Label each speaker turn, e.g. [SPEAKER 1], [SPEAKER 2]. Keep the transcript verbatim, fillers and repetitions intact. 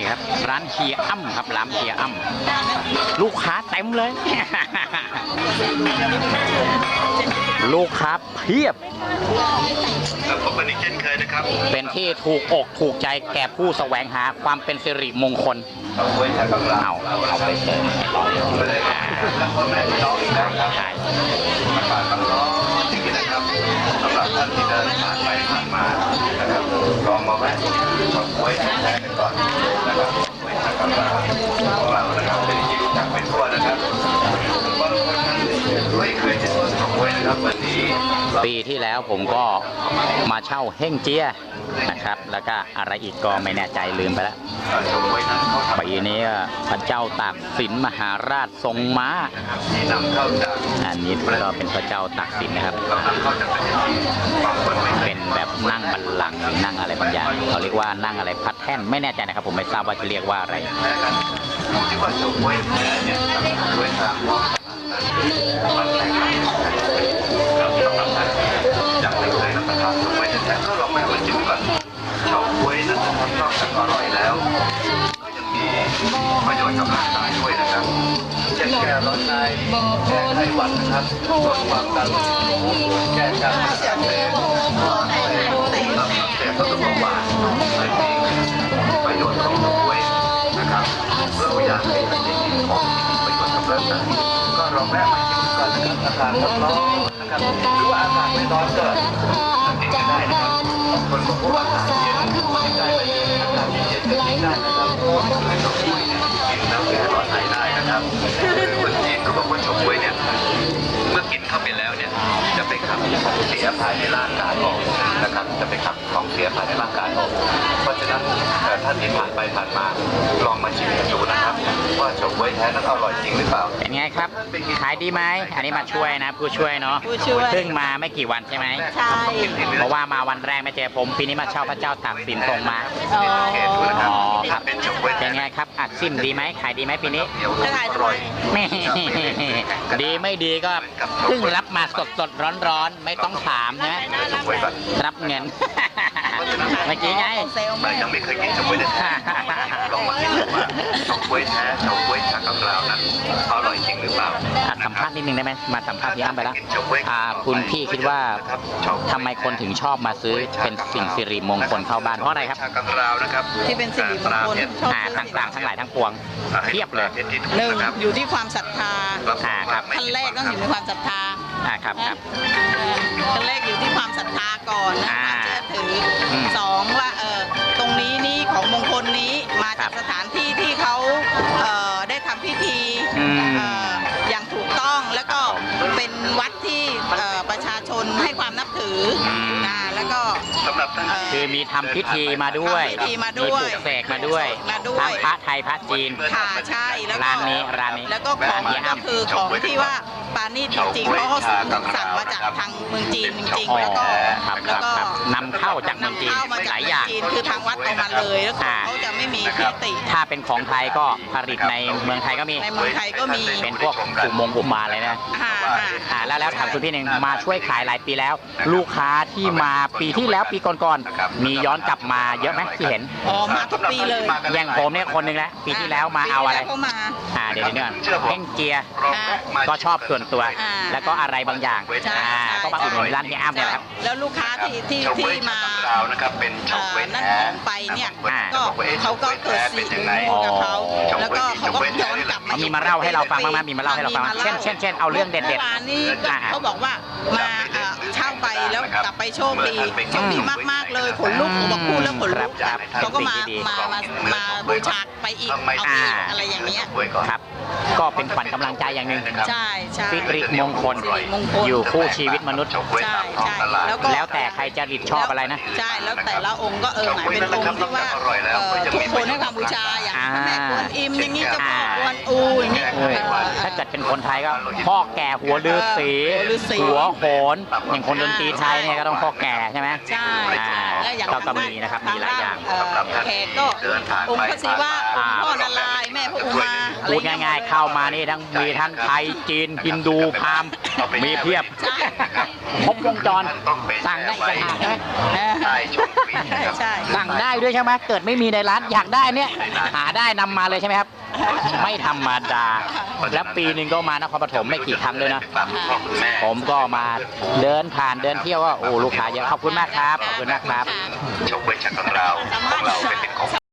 [SPEAKER 1] ครับร้านเฮียอ้ำครับร้านเฮียอ้ำลูกค้าเต็มเลย ลูกค้าเพียบ
[SPEAKER 2] พบกันอีกเช่นเคยนะครับ
[SPEAKER 1] เป็นที่ถูกอกถูกใจแก่ผู้แสวงหาความเป็นสิริมงคลเอาเอาไปเติมใช่
[SPEAKER 2] สำหรับท่านที่เดินผ่านไปผ่านมานะครับลองมาแวะชมกล้วยแท้กันก่อนนะครับกล้วยทางกำลังของเรานะครับเป็นที่รู้จักเป็นทั่วนะครับบางคนนั้นไม่เคยเห็นต้นกล้วยนะครับวันนี้
[SPEAKER 1] ปีที่แล้วผมก็มาเช่าเฮ่งเจียนะครับแล้วก็อะไรอีกก็ไม่แน่ใจลืมไปแล้วปีนี้พระเจ้าตากสินมหาราชทรงม้าอันนี้ก็เป็นพระเจ้าตากสินนะครับเป็นแบบนั่งบัลลังก์นั่งอะไรบางอย่างเขาเรียกว่านั่งอะไรพัดแท่นไม่แน่ใจนะครับผมไม่ทราบว่าจะเรียกว่าอะไร
[SPEAKER 2] ที่ว่าชมกล้วยแท้เนี่ยกล้วยทางมันแตกต่างกับสำหรับท่านยังไม่เคยรับประทานชมกล้วยแท้ก็ลองไปมาชิมก่อนชมกล้วยนั้นนะครับนอกจากอร่อยแล้วก็ยังมีประโยชน์กับร่างกายด้วยนะครับเช่นแก้ร้อนในแก้ไข้หวัดนะครับลดความดันแก้การอักเสบลดอักเสบลดเบาหวานเลยมีประโยชน์ของชมกล้วยนะครับเราอยากให้ท่านได้กินของประโยชน์กับร่างกายก็ลองแวะมาชิมก่อนนะครับอากาศร้อนนะครับหรือว่าอากาศไม่ร้อนก็กินกันได้นะครับคนบอกว่าอากาศเย็นกินได้ไหมอากาศเย็นก็กินได้นะครับคือชมกล้วยเนี่ยกินแล้วแก้ร้อนในได้นะครับคนจีนเขาบอกว่าชมกล้วยเนี่ยเมื่อกินเข้าไปแล้วเนี่ยจะไปขับของเสียภายในร่างกายออกนะครับจะไปขับของเสียภายในร่างกายออกเพราะฉะนั้นท่านที่ผ่านไปผ่านมาลองมาชิมกันดูนะครับว่าชมกล้วยแท้นั้นอร่อยจริงหรือเปล่า
[SPEAKER 1] เป็นไงครับขายดีไหมอันนี้มาช่วยนะผู้ช่วยเนาะเพิ่งมาไม่กี่วันใช่ไหม
[SPEAKER 3] ใช่
[SPEAKER 1] เพราะว่ามาวันแรกไม่เจอผมปีนี้มาเช่าพระเจ้าตากสินทรงมาอ๋อครับเป็นไงครับอัดซิมดีไหมขายดีไหมปีนี้
[SPEAKER 3] ขายอร่อย
[SPEAKER 1] ไม่ดีไม่ดีก็เพิ่งรับมาสดสดร้อนร้อนไม่ต้องถามนะรับเงินเมื่อกี้ไง
[SPEAKER 2] ยังไม่เคยกินชมกล้วยแท้ลองมากินดูว่าชมกล้วยแท้ชมกล้วยชากังราวนั้นอร่อยจริงหรือเปล่า
[SPEAKER 1] สัมภาษณ์นิดนึงได้ไหมมาสัมภาษณ์ที่อ้ำไปแล้วคุณพี่คิดว่าทำไมคนถึงชอบมาซื้อเป็นสิ่งสิริมงคลเข้าบ้านเพราะอะไรครับ
[SPEAKER 3] ที่เป็นสิริมงคล
[SPEAKER 1] ต่างๆทั้งหลายทั้งปวงเทียบเลย
[SPEAKER 3] หนึ่งอยู่ที่ความศรัทธา
[SPEAKER 1] ครับ
[SPEAKER 3] ขั้นแรกต้องอยู่ในความศรัทธา
[SPEAKER 1] ครับครับ
[SPEAKER 3] ขั้นแรกอยู่ที่ความศรัทธาก่อนนะความเชื่อถือสองว่าเออตรงนี้นี่ของมงคลนี้มาจากสถานที่ที่เขาเอ่อได้ทำพิธีอย่างถูกต้องแล้วก็เป็นวัดที่ประชาชนให้ความนับถือนะแล้วก็
[SPEAKER 1] คือมีทำพิธีมาด้วยมีปลูกเสกมาด้วยทั้งพระไทยพระจีน
[SPEAKER 3] ค่ะใช่แล้วก็
[SPEAKER 1] ร้านนี้ร้านนี้
[SPEAKER 3] แล้วก็ของก็คือของที่ว่าปานีจริงๆเพราะเขาสั่งมาจากทางเมืองจีนจริงๆแล้วก็
[SPEAKER 1] แล้วก็นำเข้าจากเมืองจีนหลายอย่าง
[SPEAKER 3] คือทางวัดเอามาเลยแล้วเขาจะไม่มีพิธี
[SPEAKER 1] ถ้าเป็นของไทยก็ผลิตในเมืองไทยก็มี
[SPEAKER 3] ในเมืองไทยก็มี
[SPEAKER 1] เป็นพวกอุโมงค์อุมาเลยนะอ่าแล้วแล้วถามคุณพี่หนึ่งมาช่วยขายหลายปีแล้วลูกค้าที่มาปีที่แล้วปีก่อนๆมีย้อนกลับมาเยอะไหมที่เห็น
[SPEAKER 3] อ๋อมาทุกปีเลย
[SPEAKER 1] อย่างผมเนี่ยคนหนึ่งแล้วปีที่แล้วมาเอาอะไรอ่าเดี๋ยวเดี๋ยวเพ่งเจียก็ชอบส่วนตัวแล้วก็อะไรบางอย่างอ่าก็มาอุดหนุนร้านที่อ้ำเนี่ยครับ
[SPEAKER 3] แล้วลูกค้าที่ที่ที่มานั่นของไปเนี่ยก็เขาก็เกิดสิ่งกับเขาแล้วก็เขาก็ย้อนกลับมา
[SPEAKER 1] มีมาเล่าให้เราฟังบ้างไหมมีมาเล่าให้เราฟังเช่นเช่นเช่นเอาเรื่องเด็ดๆเมื่อ
[SPEAKER 3] วานนี้เขาบอกว่ามาเช่าไปแล้วกลับไปโชคดีโชคดีมากๆเลยขนลุกบอกพูดแล้วขนลุกเขาก็มามามามาบูชาไปอีกเอาอีกอะไรอย่างเงี้ย
[SPEAKER 1] ครับก็เป็นขวัญกำลังใจอย่างหนึ่ง
[SPEAKER 3] ใช่ใช่
[SPEAKER 1] สิริมงคลอยู่คู่ชีวิตมนุษย์
[SPEAKER 3] ใช่ใช่
[SPEAKER 1] แล้วก็แล้วแต่ใครจะริดชอบอะไรนะ
[SPEAKER 3] ใช่แล้วแต่ละองค์ก็เออหมายเป็นองค์ที่ว่าทุกคนให้ความบูชาอย่างพระแม่กวนอิมอย่างนี้เจ้าพ่อกวนอูอย่างนี้
[SPEAKER 1] เอ้ยถ้าเกิดเป็นคนไทยก็พ่อแก่หัวฤาษี
[SPEAKER 3] หัวฤาษี
[SPEAKER 1] หัวโขนอย่างคนดนตรีไทยเนี่ยก็ต้องพ่อแก่ใช่ไหม
[SPEAKER 3] ใช่
[SPEAKER 1] อ่า
[SPEAKER 3] และอย่าง
[SPEAKER 1] ก็ก็มีนะครับมีหลายอย่าง
[SPEAKER 3] เแขกก็องค์พระศิวะองค์พ่อนารายณ์แม่พระอุมาอะไร
[SPEAKER 1] พูดง่ายๆเข้ามานี่ทั้งมีทั้งไทยจีนฮินดูพราหมณ์มีเพียบ
[SPEAKER 3] ใช่
[SPEAKER 1] ครบวงจรสั่งได้อีกต่างหากใช่ไหม
[SPEAKER 2] ใช่ชมฟรีนะครับ
[SPEAKER 3] ใช่
[SPEAKER 1] สั่งได้ด้วยใช่ไหมเกิดไม่มีในร้านอยากได้เนี่ยหาได้นำมาเลยใช่ไหมครับ ไม่ธรรมดา แล้วปีหนึ่งก็มานครปฐมไม่กี่ครั้งเลยนะ ผมก็มาเดินผ่านเดินเที่ยวว่าโอ้ลูกค้าเยอะขอบคุณมากครับขอบคุณมากครับ
[SPEAKER 2] ชมเวชของเราของเราเป็นของ